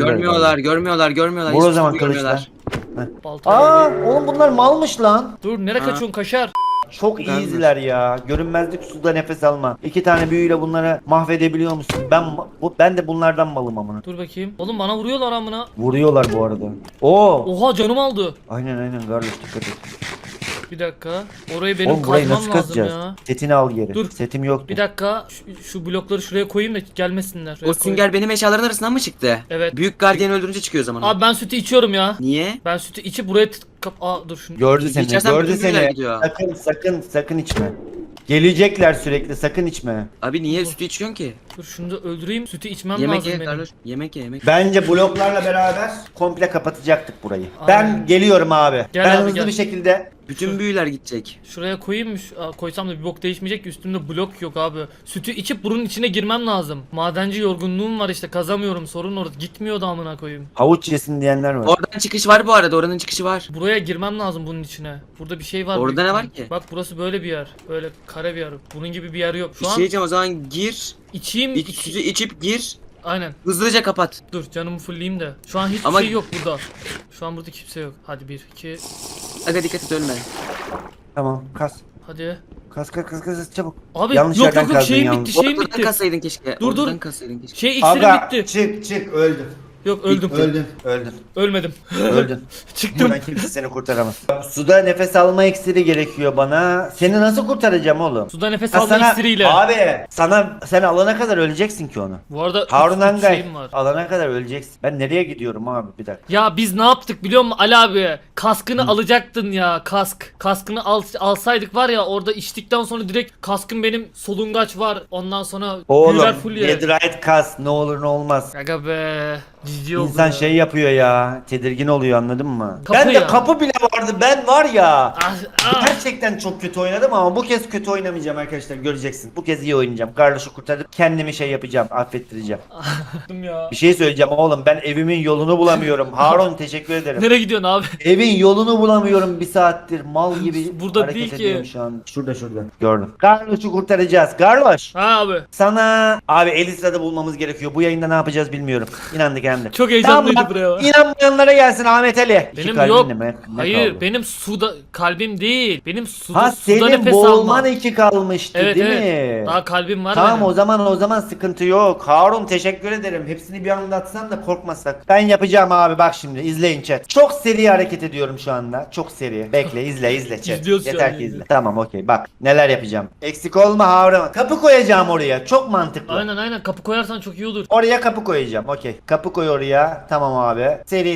[SPEAKER 3] Görmüyorlar.
[SPEAKER 2] Vur o
[SPEAKER 3] Hiçbir
[SPEAKER 2] zaman
[SPEAKER 3] şey
[SPEAKER 2] kılıçlar.
[SPEAKER 1] Baltayla.
[SPEAKER 2] Aa oğlum bunlar malmış lan.
[SPEAKER 1] Dur, nereye
[SPEAKER 3] Ha.
[SPEAKER 1] kaçıyorsun kaşar?
[SPEAKER 2] Çok
[SPEAKER 3] Ben de.
[SPEAKER 2] iyiler ya. Görünmezlik, suda nefes alma. 2 tane büyüyle bunları mahvedebiliyor musun? Ben de bunlardan malım amına.
[SPEAKER 1] Dur bakayım. Oğlum bana vuruyorlar amına.
[SPEAKER 2] Vuruyorlar bu arada. Oo.
[SPEAKER 1] Oha, canım aldı.
[SPEAKER 2] Aynen Garloş dikkat et.
[SPEAKER 1] Bir dakika. Orayı benim
[SPEAKER 2] Oğlum burayı
[SPEAKER 1] kazmam
[SPEAKER 2] nasıl
[SPEAKER 1] lazım
[SPEAKER 2] kazacağız?
[SPEAKER 1] ya.
[SPEAKER 2] Setini al geri.
[SPEAKER 1] Dur.
[SPEAKER 2] Setim yoktu.
[SPEAKER 1] Bir dakika. Şu blokları şuraya koyayım da gelmesinler. Şuraya
[SPEAKER 3] O sünger benim eşyaların arasından mı çıktı?
[SPEAKER 1] Evet.
[SPEAKER 3] Büyük gardiyanı öldürünce çıkıyor o zaman.
[SPEAKER 1] Abi ben sütü içiyorum ya.
[SPEAKER 3] Niye?
[SPEAKER 1] Ben sütü içip buraya dur şunu.
[SPEAKER 2] Gördü seni.
[SPEAKER 3] İçersen
[SPEAKER 2] Gördü
[SPEAKER 3] bütün büyüler
[SPEAKER 2] seni.
[SPEAKER 3] gidiyor.
[SPEAKER 2] Sakın içme. Gelecekler sürekli. Sakın içme.
[SPEAKER 3] Abi niye sütü içiyorsun ki?
[SPEAKER 1] Dur şunu da öldüreyim. Sütü içmem
[SPEAKER 3] Yemek
[SPEAKER 1] lazım
[SPEAKER 3] ye
[SPEAKER 1] benim.
[SPEAKER 3] Carlos. Yemek ye.
[SPEAKER 2] Bence bloklarla beraber komple kapatacaktık burayı.
[SPEAKER 1] Aynen.
[SPEAKER 2] Ben geliyorum abi.
[SPEAKER 1] Gel
[SPEAKER 2] ben
[SPEAKER 1] abi,
[SPEAKER 2] hızlı
[SPEAKER 1] gel.
[SPEAKER 2] bir şekilde
[SPEAKER 3] Bütün büyüler gidecek.
[SPEAKER 1] Şuraya koyayım mı? Koysam da bir bok değişmeyecek ki, üstümde blok yok abi. Sütü içip bunun içine girmem lazım. Madenci yorgunluğum var işte, kazamıyorum, sorun orada. Gitmiyor da amına koyayım.
[SPEAKER 2] havuç yesin diyenler var.
[SPEAKER 3] Oradan çıkış var bu arada. Oranın çıkışı var.
[SPEAKER 1] Buraya girmem lazım bunun içine. Burada bir şey var.
[SPEAKER 3] Orada
[SPEAKER 1] büyük
[SPEAKER 3] ne var
[SPEAKER 1] ihtimal.
[SPEAKER 3] ki?
[SPEAKER 1] Bak burası böyle bir yer. Böyle kare bir yer. Bunun gibi bir yer yok.
[SPEAKER 3] Bir
[SPEAKER 1] Şu an
[SPEAKER 3] şey diyeceğim, o zaman gir.
[SPEAKER 1] içeyim.
[SPEAKER 3] Sütü içip gir.
[SPEAKER 1] Aynen.
[SPEAKER 3] Hızlıca kapat.
[SPEAKER 1] Dur canımı fullleyeyim de. Şu an hiçbir
[SPEAKER 3] Ama-
[SPEAKER 1] şey yok burada. Şu an burada kimse yok. Hadi 1 2
[SPEAKER 3] Aga dikkat et, ölme.
[SPEAKER 2] Tamam kas.
[SPEAKER 1] hadi.
[SPEAKER 2] Kas çabuk.
[SPEAKER 1] Abi
[SPEAKER 2] Yanlış
[SPEAKER 1] yok
[SPEAKER 2] yerden
[SPEAKER 1] yok yok,
[SPEAKER 2] kazdın
[SPEAKER 1] şeyim
[SPEAKER 2] yalnız.
[SPEAKER 1] bitti, şeyim
[SPEAKER 3] Oradan
[SPEAKER 1] bitti.
[SPEAKER 3] kassaydın keşke.
[SPEAKER 1] Dur, dur.
[SPEAKER 3] Oradan kassaydın keşke.
[SPEAKER 1] Şey iksirim bitti.
[SPEAKER 2] çık öldün.
[SPEAKER 1] Yok öldüm.
[SPEAKER 2] Öldün.
[SPEAKER 1] Ölmedim.
[SPEAKER 2] Öldün.
[SPEAKER 1] Çıktım.
[SPEAKER 2] Buradan kimse seni kurtaramaz. Suda nefes alma iksiri gerekiyor bana. Seni nasıl kurtaracağım oğlum?
[SPEAKER 1] Suda nefes
[SPEAKER 2] Ha,
[SPEAKER 1] alma iksiriyle.
[SPEAKER 2] Abi sen alana kadar öleceksin ki onu.
[SPEAKER 1] Bu arada
[SPEAKER 2] Harun
[SPEAKER 1] üç
[SPEAKER 2] Angay
[SPEAKER 1] şeyim var.
[SPEAKER 2] alana kadar öleceksin. Ben nereye gidiyorum abi bir dakika.
[SPEAKER 1] Ya biz ne yaptık biliyor musun Ali abi? Kaskını alacaktın ya, kask. Kaskını alsaydık var ya, orada içtikten sonra direkt kaskın benim solungaç var. Ondan sonra
[SPEAKER 2] Oğlum
[SPEAKER 1] büyüler full ye.
[SPEAKER 2] Netherite kas ne olur ne olmaz.
[SPEAKER 1] Aga be. Ciddi oldu
[SPEAKER 2] İnsan
[SPEAKER 1] ya.
[SPEAKER 2] şey yapıyor ya. Tedirgin oluyor anladın mı?
[SPEAKER 1] Kapı
[SPEAKER 2] Ben de
[SPEAKER 1] ya.
[SPEAKER 2] kapı bile vardı. Ben var ya.
[SPEAKER 1] Ah.
[SPEAKER 2] Gerçekten çok kötü oynadım ama bu kez kötü oynamayacağım arkadaşlar, göreceksin. Bu kez iyi oynayacağım. Garloş'u kurtarıp kendimi şey yapacağım, affettireceğim.
[SPEAKER 1] Ya.
[SPEAKER 2] Bir şey söyleyeceğim oğlum, ben evimin yolunu bulamıyorum. Harun teşekkür ederim.
[SPEAKER 1] Nereye gidiyorsun abi?
[SPEAKER 2] Evin yolunu bulamıyorum bir saattir. Mal gibi
[SPEAKER 1] Burada
[SPEAKER 2] hareket
[SPEAKER 1] değil ki.
[SPEAKER 2] ediyorum şu an. Şurada. Gördüm. Garloş'u kurtaracağız. Garloş.
[SPEAKER 1] Ha abi.
[SPEAKER 2] Sana abi Elisra'da bulmamız gerekiyor. Bu yayında ne yapacağız bilmiyorum. İnandık hem de.
[SPEAKER 1] Çok heyecanlıydı
[SPEAKER 2] Tamam,
[SPEAKER 1] buraya bak.
[SPEAKER 2] İnanmayanlara gelsin Ahmet Ali. İki
[SPEAKER 1] Benim
[SPEAKER 2] kalbin
[SPEAKER 1] yok.
[SPEAKER 2] mi? Ne
[SPEAKER 1] Hayır,
[SPEAKER 2] kaldı?
[SPEAKER 1] benim suda kalbim değil. Benim suda
[SPEAKER 2] Ha
[SPEAKER 1] suda
[SPEAKER 2] senin
[SPEAKER 1] nefes
[SPEAKER 2] boğulman
[SPEAKER 1] almam.
[SPEAKER 2] 2 kalmıştı
[SPEAKER 1] Evet
[SPEAKER 2] değil
[SPEAKER 1] evet.
[SPEAKER 2] mi?
[SPEAKER 1] Daha kalbim var
[SPEAKER 2] Tamam
[SPEAKER 1] benim.
[SPEAKER 2] o zaman sıkıntı yok. Harun teşekkür ederim. Hepsini bir anlatsan da korkmasak. Ben yapacağım abi, bak şimdi izleyin chat. Çok seri hareket ediyorum şu anda. Çok seri. Bekle izle chat.
[SPEAKER 1] İzliyoruz şu
[SPEAKER 2] Yeter
[SPEAKER 1] an,
[SPEAKER 2] ki izle.
[SPEAKER 1] izle.
[SPEAKER 2] Tamam okey bak neler yapacağım. Eksik olma Harun. Kapı koyacağım oraya. Çok mantıklı.
[SPEAKER 1] Aynen kapı koyarsan çok iyi olur.
[SPEAKER 2] Oraya kapı koyacağım. Okey. Kapı koy oraya. Tamam abi.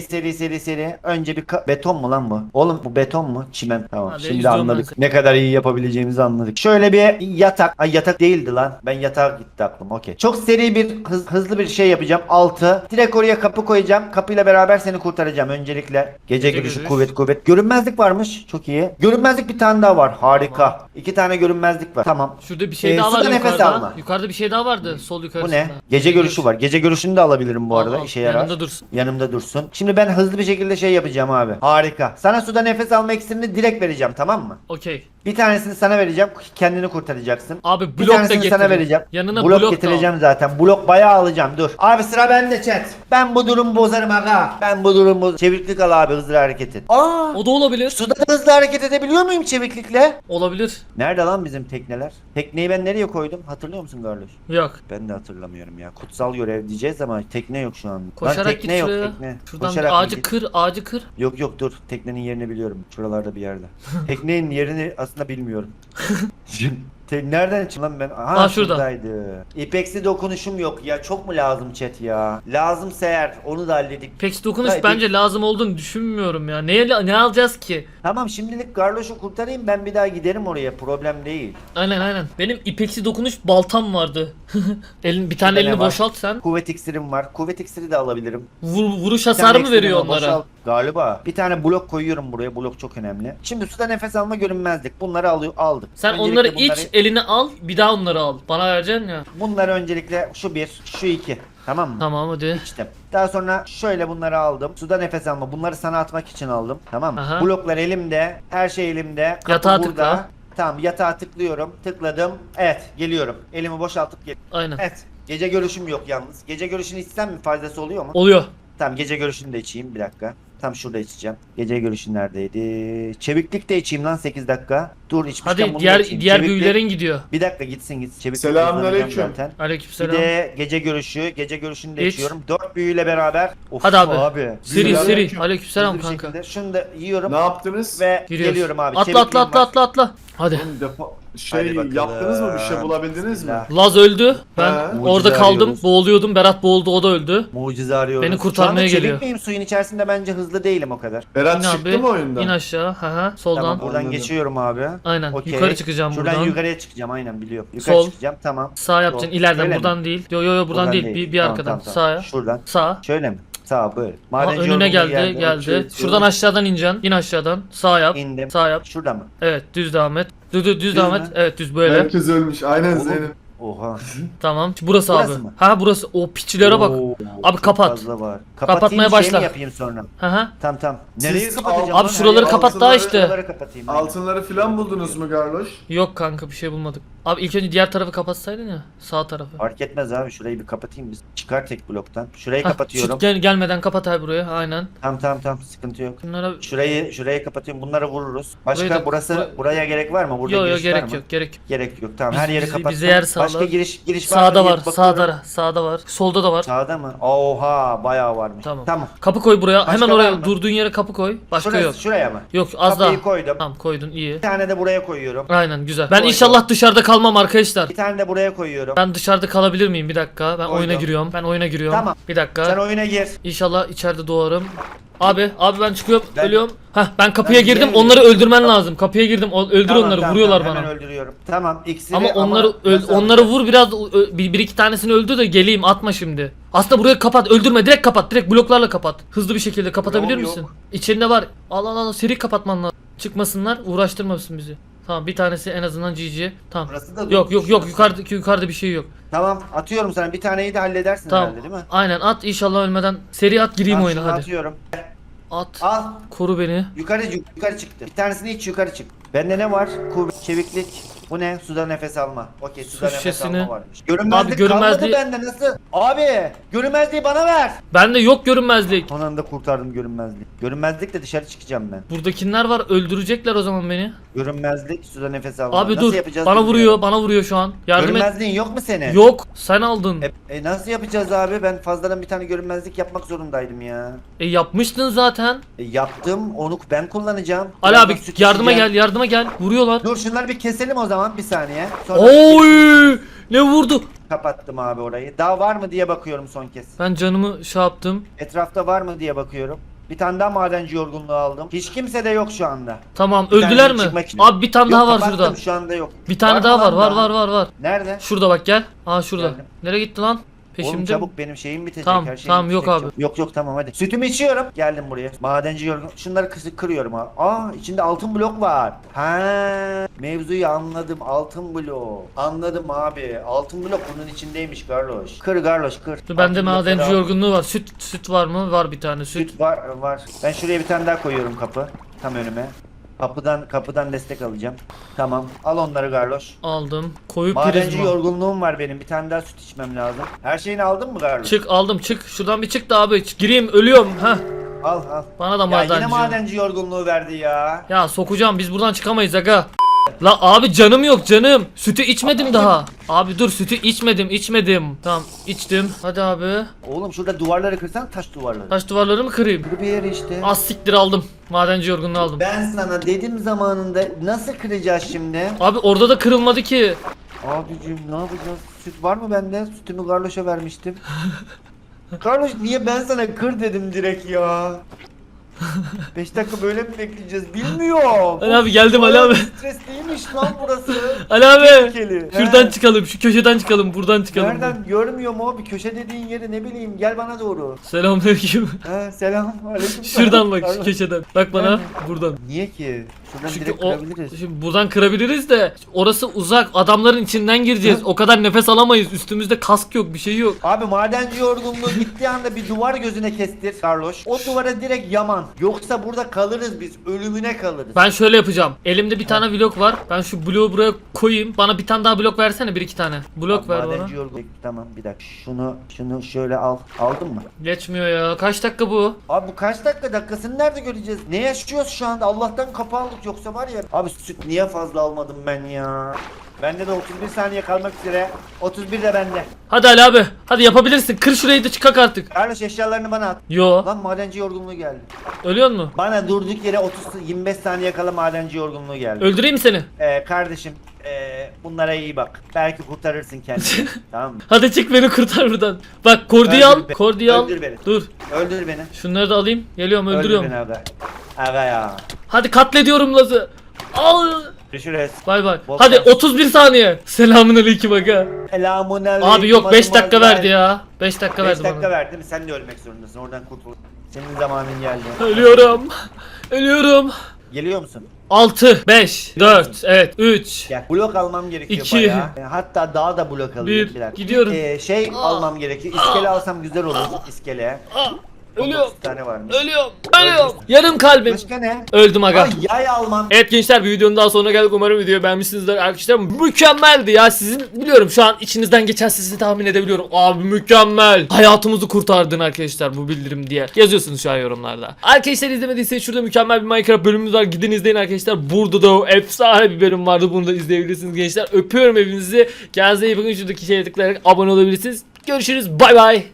[SPEAKER 2] Seri. Önce bir beton mu lan bu? Oğlum bu beton mu? Çimen. Tamam.
[SPEAKER 1] Hadi,
[SPEAKER 2] Şimdi
[SPEAKER 1] izliyorum ben
[SPEAKER 2] anladık.
[SPEAKER 1] seni.
[SPEAKER 2] Ne kadar iyi yapabileceğimizi anladık. Şöyle bir yatak. Ay yatak değildi lan. Ben yatağa gitti aklım. Okey. Çok seri bir hızlı bir şey yapacağım. 6. Direkt oraya kapı koyacağım. Kapıyla beraber seni kurtaracağım. Öncelikle gece görüşü
[SPEAKER 1] görüş.
[SPEAKER 2] kuvvet. Görünmezlik varmış. Çok iyi. Görünmezlik bir tane daha var. Harika. 2 tane görünmezlik var. Tamam.
[SPEAKER 1] Şurada bir şey daha
[SPEAKER 2] suda
[SPEAKER 1] vardı
[SPEAKER 2] nefes
[SPEAKER 1] yukarıda.
[SPEAKER 2] alma.
[SPEAKER 1] Yukarıda bir şey daha vardı sol
[SPEAKER 2] Bu
[SPEAKER 1] yukarısında.
[SPEAKER 2] ne? Gece görüşü var. Gece görüşünü de alabilirim bu arada.
[SPEAKER 1] Al,
[SPEAKER 2] İşe yarar.
[SPEAKER 1] yanında dursun.
[SPEAKER 2] Yanımda dursun. Şimdi ben hızlı bir şekilde şey yapacağım abi. Harika. Sana suda nefes alma iksirini direkt vereceğim, tamam mı?
[SPEAKER 1] Okey.
[SPEAKER 2] Bir tanesini sana vereceğim. Kendini kurtaracaksın.
[SPEAKER 1] Abi
[SPEAKER 2] Bir
[SPEAKER 1] blok da
[SPEAKER 2] tanesini
[SPEAKER 1] getir.
[SPEAKER 2] sana vereceğim.
[SPEAKER 1] Yanına
[SPEAKER 2] blok
[SPEAKER 1] blok da
[SPEAKER 2] getireceğim zaten. Blok bayağı alacağım. Dur. Abi sıra bende chat. Ben bu durumu bozarım aga. Ben bu durumu çeviklik al abi, hızlı hareket et. Aa!
[SPEAKER 1] al. O da olabilir.
[SPEAKER 2] Suda da hızlı hareket edebiliyor muyum çeviklikle?
[SPEAKER 1] Olabilir.
[SPEAKER 2] Nerede lan bizim tekneler? Tekneyi ben nereye koydum? Hatırlıyor musun Garloş?
[SPEAKER 1] Yok.
[SPEAKER 2] Ben de hatırlamıyorum ya. Kutsal görev diyeceğiz ama tekne yok şu an.
[SPEAKER 1] Koşarak
[SPEAKER 2] Lan
[SPEAKER 1] git
[SPEAKER 2] tekne yok
[SPEAKER 1] şuraya.
[SPEAKER 2] tekne.
[SPEAKER 1] Şuradan
[SPEAKER 2] Koşarak
[SPEAKER 1] bir
[SPEAKER 2] mı
[SPEAKER 1] ağacı
[SPEAKER 2] git?
[SPEAKER 1] kır, ağacı kır.
[SPEAKER 2] Yok dur, teknenin yerini biliyorum. Şuralarda bir yerde. Teknenin yerini aslında bilmiyorum. Nereden çıktı lan ben? Aha,
[SPEAKER 1] Aa, şurada.
[SPEAKER 2] şuradaydı. İpeksi dokunuşum yok ya. Çok mu lazım chat ya? Lazımsa eğer onu da halledik.
[SPEAKER 1] Peki dokunuş
[SPEAKER 2] Hayır,
[SPEAKER 1] bence lazım olduğunu düşünmüyorum ya. Ne alacağız ki?
[SPEAKER 2] Tamam şimdilik Garloş'u kurtarayım, ben bir daha giderim oraya, problem değil.
[SPEAKER 1] Aynen. Benim ipeksi dokunuş baltam vardı. Bir tane
[SPEAKER 2] Şurada
[SPEAKER 1] elini
[SPEAKER 2] ne var?
[SPEAKER 1] boşalt sen.
[SPEAKER 2] Kuvvet iksirim var. Kuvvet iksiri de alabilirim.
[SPEAKER 1] Vuruş
[SPEAKER 2] Bir tane
[SPEAKER 1] hasarı mı
[SPEAKER 2] ekstremi
[SPEAKER 1] veriyor onlara?
[SPEAKER 2] boşalt. Galiba. Bir tane blok koyuyorum buraya. Blok çok önemli. Şimdi suda nefes alma, görünmezlik. Bunları aldık.
[SPEAKER 1] Sen
[SPEAKER 2] Öncelikle
[SPEAKER 1] onları iç, eline al, bir daha onları al. Bana vereceksin ya.
[SPEAKER 2] Bunları öncelikle şu bir, şu iki. Tamam mı?
[SPEAKER 1] Tamam hadi.
[SPEAKER 2] İçtim. Daha sonra şöyle bunları aldım. Suda nefes alma. Bunları sana atmak için aldım. Tamam mı?
[SPEAKER 1] Aha.
[SPEAKER 2] Bloklar elimde. Her şey elimde. Kapı
[SPEAKER 1] Yatağa
[SPEAKER 2] burada.
[SPEAKER 1] tıkla.
[SPEAKER 2] Tamam, yatağa tıklıyorum. Tıkladım. Evet, geliyorum. Elimi boşaltıp gel.
[SPEAKER 1] Aynen.
[SPEAKER 2] Evet. Gece görüşüm yok yalnız. Gece görüşünü içsem mi, faydası oluyor mu?
[SPEAKER 1] Oluyor.
[SPEAKER 2] Tamam, gece görüşünü de içeyim bir dakika. Tam şurada içeceğim. Gece görüşün neredeydi? Çeviklik de içeyim lan 8 dakika. Dur, içmişken
[SPEAKER 1] Hadi
[SPEAKER 2] bunu da
[SPEAKER 1] diğer
[SPEAKER 2] içeyim.
[SPEAKER 1] diğer
[SPEAKER 2] Çeviklik-
[SPEAKER 1] büyülerin gidiyor.
[SPEAKER 2] Bir dakika gitsin. Çeviklik
[SPEAKER 4] Selamünaleyküm.
[SPEAKER 2] kullanacağım zaten. Bir
[SPEAKER 1] Aleykümselam.
[SPEAKER 2] de gece görüşünü de
[SPEAKER 1] İç.
[SPEAKER 2] içiyorum. 4 büyüyle beraber. Of
[SPEAKER 1] Hadi abi. Seri
[SPEAKER 4] Selamünaleyküm.
[SPEAKER 1] seri. Aleykümselam
[SPEAKER 2] Hızlı bir
[SPEAKER 1] kanka.
[SPEAKER 2] şekilde şunu da yiyorum
[SPEAKER 4] Ne yaptınız?
[SPEAKER 2] ve
[SPEAKER 1] Giriyoruz.
[SPEAKER 2] geliyorum abi.
[SPEAKER 1] Atla
[SPEAKER 2] Çevikliğim var.
[SPEAKER 1] atla. Hadi.
[SPEAKER 4] Oğlum
[SPEAKER 2] Hadi bakalım.
[SPEAKER 4] yaptınız mı? Bir şey bulabildiniz mi?
[SPEAKER 2] Bismillah.
[SPEAKER 1] Laz öldü. Ben
[SPEAKER 4] He.
[SPEAKER 1] orada
[SPEAKER 2] Mucize
[SPEAKER 1] kaldım.
[SPEAKER 2] arıyoruz.
[SPEAKER 1] Boğuluyordum. Berat boğuldu, o da öldü.
[SPEAKER 2] Mucize arıyoruz.
[SPEAKER 1] Beni kurtarmaya
[SPEAKER 2] Şu anda
[SPEAKER 1] geliyor.
[SPEAKER 2] çevik miyim suyun içerisinde? Bence hızlı değilim o kadar.
[SPEAKER 4] Berat
[SPEAKER 1] İn
[SPEAKER 4] çıktı
[SPEAKER 1] abi.
[SPEAKER 4] mı oyundan?
[SPEAKER 1] İn aşağı. Hı. Soldan.
[SPEAKER 2] Tamam, buradan
[SPEAKER 4] Anladım.
[SPEAKER 2] geçiyorum abi.
[SPEAKER 1] Aynen.
[SPEAKER 2] Okey.
[SPEAKER 1] Yukarı çıkacağım
[SPEAKER 2] Şuradan
[SPEAKER 1] buradan.
[SPEAKER 2] yukarıya çıkacağım, aynen biliyorum. Yukarı
[SPEAKER 1] Sol.
[SPEAKER 2] çıkacağım, tamam.
[SPEAKER 1] Sağ yapacaksın.
[SPEAKER 2] Sol.
[SPEAKER 1] İleriden,
[SPEAKER 2] Öyle
[SPEAKER 1] buradan
[SPEAKER 2] mi?
[SPEAKER 1] değil. Yo buradan değil. Bir
[SPEAKER 2] Tamam,
[SPEAKER 1] arkadan.
[SPEAKER 2] tamam.
[SPEAKER 1] Sağa.
[SPEAKER 2] Şuradan.
[SPEAKER 1] Sağ.
[SPEAKER 2] Şöyle mi? Sağ böyle.
[SPEAKER 1] Aha,
[SPEAKER 2] Madenci
[SPEAKER 1] önüne
[SPEAKER 2] yolculuğu
[SPEAKER 1] geldi.
[SPEAKER 2] Okey,
[SPEAKER 1] Şuradan aşağıdan ineceksin. İn aşağıdan. Sağ yap.
[SPEAKER 2] İndim.
[SPEAKER 1] Sağ yap.
[SPEAKER 2] Şurada mı?
[SPEAKER 1] Evet, düz devam et. Düz devam
[SPEAKER 2] mü?
[SPEAKER 1] et. Evet, düz böyle.
[SPEAKER 4] Herkes ölmüş. Aynen
[SPEAKER 2] Oğlum.
[SPEAKER 4] Zeynep.
[SPEAKER 2] Oha.
[SPEAKER 1] Tamam. Burası
[SPEAKER 2] Burası
[SPEAKER 1] abi.
[SPEAKER 2] mı?
[SPEAKER 1] Ha burası. O piçlere bak.
[SPEAKER 2] Oo,
[SPEAKER 1] Abi
[SPEAKER 2] çok
[SPEAKER 1] kapat.
[SPEAKER 2] fazla var.
[SPEAKER 1] Kapatmaya
[SPEAKER 2] Kapatayım, şey
[SPEAKER 1] başla.
[SPEAKER 2] mi yapayım sonra?
[SPEAKER 1] Hı.
[SPEAKER 2] Tamam.
[SPEAKER 4] Siz
[SPEAKER 2] Nereyi kapatacağım?
[SPEAKER 4] al-
[SPEAKER 2] lan?
[SPEAKER 1] Abi şuraları
[SPEAKER 2] Her
[SPEAKER 1] kapat
[SPEAKER 2] yeri-
[SPEAKER 1] daha işte.
[SPEAKER 2] Şuraları kapatayım. aynen.
[SPEAKER 4] Altınları filan buldunuz mu Garloş?
[SPEAKER 1] Yok kanka, bir şey bulmadık. Abi ilk önce diğer tarafı kapatsaydın ya. Sağ tarafı.
[SPEAKER 2] Fark etmez abi, şurayı bir kapatayım biz. Çıkar tek bloktan. Şurayı
[SPEAKER 1] Hah,
[SPEAKER 2] kapatıyorum.
[SPEAKER 1] gelmeden kapat abi buraya. Aynen.
[SPEAKER 2] Tamam, sıkıntı yok.
[SPEAKER 1] Bunlara
[SPEAKER 2] Şurayı kapatıyorum. Bunları vururuz. Başka
[SPEAKER 1] Burayı da-
[SPEAKER 2] buraya gerek var mı? Burada
[SPEAKER 1] yok
[SPEAKER 2] giriş var
[SPEAKER 1] gerek
[SPEAKER 2] mı?
[SPEAKER 1] yok.
[SPEAKER 2] Gerek yok. Tamam,
[SPEAKER 1] Biz-
[SPEAKER 2] her yeri
[SPEAKER 1] bizi-
[SPEAKER 2] kapattım.
[SPEAKER 1] bize yer sağlar.
[SPEAKER 2] Başka giriş var mı
[SPEAKER 1] sağda
[SPEAKER 2] diye
[SPEAKER 1] var.
[SPEAKER 2] bakıyorum.
[SPEAKER 1] Sağda var. Solda da var.
[SPEAKER 2] Sağda mı? Oha, bayağı varmış.
[SPEAKER 1] Tamam. Kapı koy buraya.
[SPEAKER 2] Başka
[SPEAKER 1] Hemen
[SPEAKER 2] var
[SPEAKER 1] oraya
[SPEAKER 2] mı?
[SPEAKER 1] durduğun yere kapı koy. Başka
[SPEAKER 2] Şurası,
[SPEAKER 1] yok.
[SPEAKER 2] şuraya mı?
[SPEAKER 1] Yok, az
[SPEAKER 2] Kapıyı
[SPEAKER 1] daha.
[SPEAKER 2] koydum.
[SPEAKER 1] Tamam, koydun, iyi.
[SPEAKER 2] Bir tane de buraya koyuyorum.
[SPEAKER 1] Aynen, güzel. Ben
[SPEAKER 2] Koydum.
[SPEAKER 1] inşallah dışarıda kalmam arkadaşlar.
[SPEAKER 2] Bir tane de buraya koyuyorum.
[SPEAKER 1] Ben dışarıda kalabilir miyim? Bir dakika. Ben
[SPEAKER 2] Koydum.
[SPEAKER 1] oyuna giriyorum.
[SPEAKER 2] Tamam.
[SPEAKER 1] Bir dakika.
[SPEAKER 2] Sen oyuna gir.
[SPEAKER 1] İnşallah içeride doğarım. Abi ben çıkıyorum.
[SPEAKER 2] Ben-
[SPEAKER 1] Ölüyorum. Ben kapıya
[SPEAKER 2] Ben
[SPEAKER 1] girdim.
[SPEAKER 2] giremiyorum.
[SPEAKER 1] Onları öldürmen lazım. Kapıya girdim. Öldür
[SPEAKER 2] Tamam,
[SPEAKER 1] onları.
[SPEAKER 2] tamam,
[SPEAKER 1] Vuruyorlar
[SPEAKER 2] tamam,
[SPEAKER 1] bana.
[SPEAKER 2] Hemen öldürüyorum. Tamam, iksiri
[SPEAKER 1] Ama onları
[SPEAKER 2] nasıl
[SPEAKER 1] onları
[SPEAKER 2] alacağız?
[SPEAKER 1] vur biraz, bir iki tanesini öldür de geleyim, atma şimdi. Aslında burayı kapat, öldürme, direkt kapat, direkt bloklarla kapat. Hızlı bir şekilde kapatabilir
[SPEAKER 2] Yok,
[SPEAKER 1] misin?
[SPEAKER 2] yok.
[SPEAKER 1] İçerinde var. Al seri kapatman lazım. Çıkmasınlar, uğraştırmasın bizi. Tamam, bir tanesi en azından GG. Tamam.
[SPEAKER 2] Burası da
[SPEAKER 1] Yok
[SPEAKER 2] durmuş.
[SPEAKER 1] yukarıda bir şey yok.
[SPEAKER 2] Tamam, atıyorum sana. Bir taneyi de halledersin
[SPEAKER 1] Tamam.
[SPEAKER 2] herhalde, değil mi?
[SPEAKER 1] Aynen, at inşallah ölmeden. Seri at, gireyim
[SPEAKER 2] Al,
[SPEAKER 1] oyuna
[SPEAKER 2] şunu
[SPEAKER 1] hadi.
[SPEAKER 2] Atıyorum.
[SPEAKER 1] At.
[SPEAKER 2] Al.
[SPEAKER 1] Koru beni.
[SPEAKER 2] Yukarı çıktı. Bir tanesini iç, yukarı çık. Bende ne var? Kuvvet, çeviklik. Bu ne? Suda nefes alma. Okey, suda nefes
[SPEAKER 1] şişesini-
[SPEAKER 2] alma varmış. Görünmezlik,
[SPEAKER 1] Abi, görünmezliği-
[SPEAKER 2] kalmadı bende, nasıl? Abi, görünmezliği bana ver.
[SPEAKER 1] Bende yok görünmezlik.
[SPEAKER 2] Son anda kurtardım görünmezliği. Görünmezlikle dışarı çıkacağım ben.
[SPEAKER 1] Buradakiler var, öldürecekler o zaman beni.
[SPEAKER 2] Görünmezlik, suda nefes alma.
[SPEAKER 1] Abi
[SPEAKER 2] Nasıl
[SPEAKER 1] dur.
[SPEAKER 2] yapacağız
[SPEAKER 1] Bana
[SPEAKER 2] bilmiyorum.
[SPEAKER 1] vuruyor şu an. Yardım et.
[SPEAKER 2] Görünmezliğin yok mu senin?
[SPEAKER 1] Yok, sen aldın.
[SPEAKER 2] Nasıl yapacağız abi? Ben fazladan bir tane görünmezlik yapmak zorundaydım ya.
[SPEAKER 1] Yapmıştın zaten.
[SPEAKER 2] Yaptım, onu ben kullanacağım.
[SPEAKER 1] Ali
[SPEAKER 2] Birazdan
[SPEAKER 1] abi
[SPEAKER 2] süt
[SPEAKER 1] yardıma
[SPEAKER 2] içeceğim.
[SPEAKER 1] gel. Vuruyorlar.
[SPEAKER 2] Dur, şunları bir keselim o zaman, bir saniye. Sonra
[SPEAKER 1] Oy! Ne vurdu?
[SPEAKER 2] kapattım abi orayı. Daha var mı diye bakıyorum son kez.
[SPEAKER 1] Ben canımı şey yaptım.
[SPEAKER 2] Etrafta var mı diye bakıyorum. Bir tane daha madenci yorgunluğu aldım. Hiç kimse de yok şu anda.
[SPEAKER 1] Tamam,
[SPEAKER 2] Bir
[SPEAKER 1] öldüler
[SPEAKER 2] tanesi
[SPEAKER 1] mi?
[SPEAKER 2] çıkmak için.
[SPEAKER 1] Abi bir tane
[SPEAKER 2] Yok,
[SPEAKER 1] daha var
[SPEAKER 2] kapattım,
[SPEAKER 1] şurada.
[SPEAKER 2] şu anda yok.
[SPEAKER 1] Bir tane
[SPEAKER 2] mı
[SPEAKER 1] daha
[SPEAKER 2] lan
[SPEAKER 1] var.
[SPEAKER 2] Nerede?
[SPEAKER 1] Şurada bak, gel. Aa, şurada.
[SPEAKER 2] Geldim.
[SPEAKER 1] Nereye gitti lan?
[SPEAKER 2] Oğlum
[SPEAKER 1] Peşimde.
[SPEAKER 2] çabuk, benim şeyim bitecek.
[SPEAKER 1] Tamam,
[SPEAKER 2] her şeyim
[SPEAKER 1] tamam, yok
[SPEAKER 2] bitecek
[SPEAKER 1] abi.
[SPEAKER 2] çabuk. Yok tamam, hadi. Sütümü içiyorum. Geldim buraya. Madenci yorgun. Şunları kırıyorum abi. Aa, içinde altın blok var. Ha, mevzuyu anladım. Altın blok. Anladım abi. Altın blok bunun içindeymiş Garloş. Kır Garloş, kır.
[SPEAKER 1] Dur, bende
[SPEAKER 2] Altın blokları
[SPEAKER 1] madenci
[SPEAKER 2] al.
[SPEAKER 1] yorgunluğu var. Süt var mı? Var bir tane süt.
[SPEAKER 2] Süt var. Ben şuraya bir tane daha koyuyorum kapı. Tam önüme. Kapıdan destek alacağım. Tamam. Al onları Garloş.
[SPEAKER 1] Aldım. Koyu
[SPEAKER 2] Madenci
[SPEAKER 1] prizma.
[SPEAKER 2] yorgunluğum var benim. Bir tane daha süt içmem lazım. Her şeyini aldın mı Garloş?
[SPEAKER 1] Çık, aldım, çık. Şuradan bir çık da abi. Gireyim, ölüyorum. Heh.
[SPEAKER 2] Al.
[SPEAKER 1] Bana da
[SPEAKER 2] Ya yine
[SPEAKER 1] madenci.
[SPEAKER 2] madenci yorgunluğu verdi ya.
[SPEAKER 1] Ya sokacağım, biz buradan çıkamayız aga. La abi canım yok canım. Sütü içmedim daha. Abi dur sütü içmedim. Tamam içtim. Hadi abi.
[SPEAKER 2] Oğlum şurada duvarları kırsan taş duvarları.
[SPEAKER 1] Taş duvarları mı kırayım?
[SPEAKER 2] Bir yere işte.
[SPEAKER 1] Az siktir aldım. Madenci yorgunluğu aldım.
[SPEAKER 2] Ben sana dedim zamanında nasıl kıracağız şimdi?
[SPEAKER 1] Abi orada da kırılmadı ki.
[SPEAKER 2] Abicim ne yapacağız? Süt var mı bende? Sütümü Garloş'a vermiştim. Garloş niye ben sana kır dedim direkt ya? 5 dakika böyle mi bekleyeceğiz bilmiyorum.
[SPEAKER 1] Ali abi geldim Ali abi.
[SPEAKER 2] Stresliymiş lan burası.
[SPEAKER 1] Ali abi.
[SPEAKER 2] Tehlikeli.
[SPEAKER 1] Şuradan
[SPEAKER 2] He.
[SPEAKER 1] çıkalım, şu köşeden çıkalım, buradan çıkalım.
[SPEAKER 2] Nereden görmüyorum o bir köşe dediğin yeri ne bileyim gel bana doğru.
[SPEAKER 1] Selamünaleyküm.
[SPEAKER 2] He selam aleyküm.
[SPEAKER 1] Şuradan bak şu
[SPEAKER 2] Pardon.
[SPEAKER 1] köşeden. Bak bana buradan.
[SPEAKER 2] Niye ki? Şuradan
[SPEAKER 1] Çünkü
[SPEAKER 2] direkt
[SPEAKER 1] o
[SPEAKER 2] kırabiliriz.
[SPEAKER 1] şimdi buradan kırabiliriz de orası uzak. Adamların içinden gireceğiz. O kadar nefes alamayız. Üstümüzde kask yok, bir şey yok.
[SPEAKER 2] Abi madenci yorgunluğu gittiği anda bir duvar gözüne kestir Carlos. O duvara direkt yaman. Yoksa burada kalırız biz. Ölümüne kalırız.
[SPEAKER 1] Ben şöyle yapacağım. Elimde bir tane blok var. Ben şu bloğu buraya koyayım. Bana bir tane daha blok versene, bir iki tane. Blok
[SPEAKER 2] Abi
[SPEAKER 1] ver bana.
[SPEAKER 2] madenci yorgunluğu. Tamam bir dakika. Şunu şöyle al. Aldın mı?
[SPEAKER 1] Geçmiyor ya. Kaç dakika bu?
[SPEAKER 2] Abi bu kaç dakikasını nerede göreceğiz? Ne yaşıyoruz şu anda? Allah'tan kapı aldık yoksa var ya. Abi süt niye fazla almadım ben ya? Bende de 31 saniye kalmak üzere. 31 de bende.
[SPEAKER 1] Hadi Ali abi. Hadi yapabilirsin. Kır şurayı da çıkak artık.
[SPEAKER 2] Carlos eşyalarını bana at.
[SPEAKER 1] Yo.
[SPEAKER 2] Lan madenci yorgunluğu geldi.
[SPEAKER 1] Ölüyor mu?
[SPEAKER 2] Bana durduk yere 25 saniye kala madenci yorgunluğu geldi.
[SPEAKER 1] Öldüreyim mi seni?
[SPEAKER 2] Kardeşim bunlara iyi bak. Belki kurtarırsın kendini. Tamam mı?
[SPEAKER 1] Hadi çık beni kurtar buradan. Bak kordiyi
[SPEAKER 2] Öldür
[SPEAKER 1] al.
[SPEAKER 2] beni.
[SPEAKER 1] Kordiyi al.
[SPEAKER 2] Öldür beni.
[SPEAKER 1] Dur.
[SPEAKER 2] Öldür beni.
[SPEAKER 1] Şunları da alayım. Geliyorum
[SPEAKER 2] Öldür
[SPEAKER 1] öldürüyorum.
[SPEAKER 2] beni aga. Aga ya.
[SPEAKER 1] Hadi katlediyorum Laz'ı. Al.
[SPEAKER 2] Görüşürüz.
[SPEAKER 1] Bay bay.
[SPEAKER 2] Bol
[SPEAKER 1] Hadi
[SPEAKER 2] şans.
[SPEAKER 1] 31 saniye. Selamünaleyküm aga.
[SPEAKER 2] Selamun aleyküm.
[SPEAKER 1] Abi yok 5 dakika
[SPEAKER 2] hanımlar.
[SPEAKER 1] verdi ya. 5 dakika
[SPEAKER 2] 5
[SPEAKER 1] verdi
[SPEAKER 2] dakika
[SPEAKER 1] bana.
[SPEAKER 2] verdi mi? Sen de ölmek zorundasın. Oradan kurtul. Senin zamanın geldi.
[SPEAKER 1] Ölüyorum. Ölüyorum.
[SPEAKER 2] Geliyor musun?
[SPEAKER 1] 6 5 4 evet 3
[SPEAKER 2] Gel. Blok almam gerekiyor
[SPEAKER 1] İki.
[SPEAKER 2] bayağı. Hatta daha da blok alayım.
[SPEAKER 1] Bir.
[SPEAKER 2] dakika.
[SPEAKER 1] Gidiyorum.
[SPEAKER 2] Almam gerekiyor. İskele alsam güzel olur. İskele.
[SPEAKER 1] Ölüyorum.
[SPEAKER 2] 9 tane varmış.
[SPEAKER 1] Ölüyorum. Ölüyorum. Yarım kalbim.
[SPEAKER 2] Başka ne?
[SPEAKER 1] Öldüm aga.
[SPEAKER 2] Ay yay almam.
[SPEAKER 1] Evet gençler, bir videonun daha sonuna geldik. Umarım videoyu beğenmişsinizdir arkadaşlar. Mükemmeldi ya. Sizin biliyorum şu an içinizden geçen sesi tahmin edebiliyorum. Abi mükemmel. Hayatımızı kurtardın arkadaşlar bu bildirim diye. Yazıyorsunuz şu an yorumlarda. Arkadaşlar izlemediyseniz şurada mükemmel bir Minecraft bölümümüz var. Gidin izleyin arkadaşlar. Burada da o efsane bir bölüm vardı. Bunu da izleyebilirsiniz gençler. Öpüyorum hepinizi. Kendinize iyi bakın. Şuradaki şeye tıklayarak abone olabilirsiniz. Görüşürüz. Bay bay.